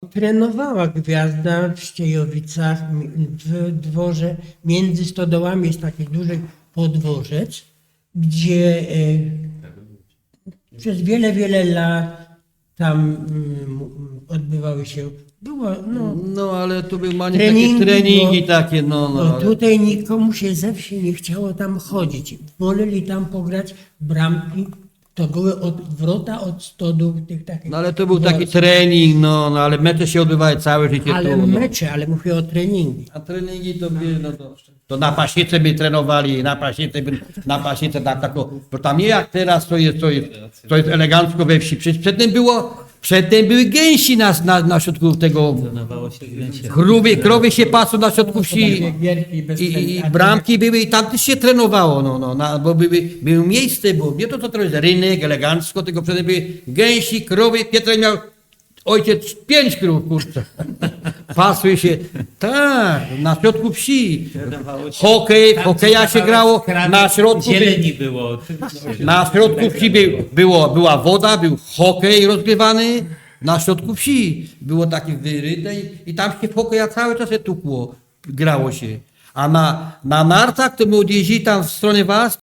trenowała Gwiazda w Ściejowicach, w dworze. Między stodołami jest taki duży podworzec, gdzie przez wiele, wiele lat tam odbywały się, było, No ale tu były treningi, takie treningi bo- takie, ale... tutaj nikomu się ze wsi nie chciało tam chodzić. Woleli tam pograć bramki. To były wrota od stodół tych takich. No ale to był taki dworców. trening, no ale mecze się odbywały całe życie Ale tu. No. mecze, ale mówię o treningi. A treningi to były, to na pasiece by trenowali, na pasiece tak, bo tam nie jak teraz, to jest elegancko we wsi. Przecież przedtem były gęsi na środku tego, krowy się pasą na środku wsi i bramki były i tam też się trenowało, bo było miejsce, bo nie to co teraz jest rynek, elegancko, tylko przedtem były gęsi, krowy, Pietrek miał ojciec 5 krów, kurczę. Pasły się, tak, na środku wsi. Hokeja się grało, na środku zieleni było. Oczywiście. na środku wsi była woda, był hokej rozgrywany, na środku wsi było takie wyryte i tam się w hokeja cały czas się tukło, grało się. A na nartach to my odjeździli tam w stronę was,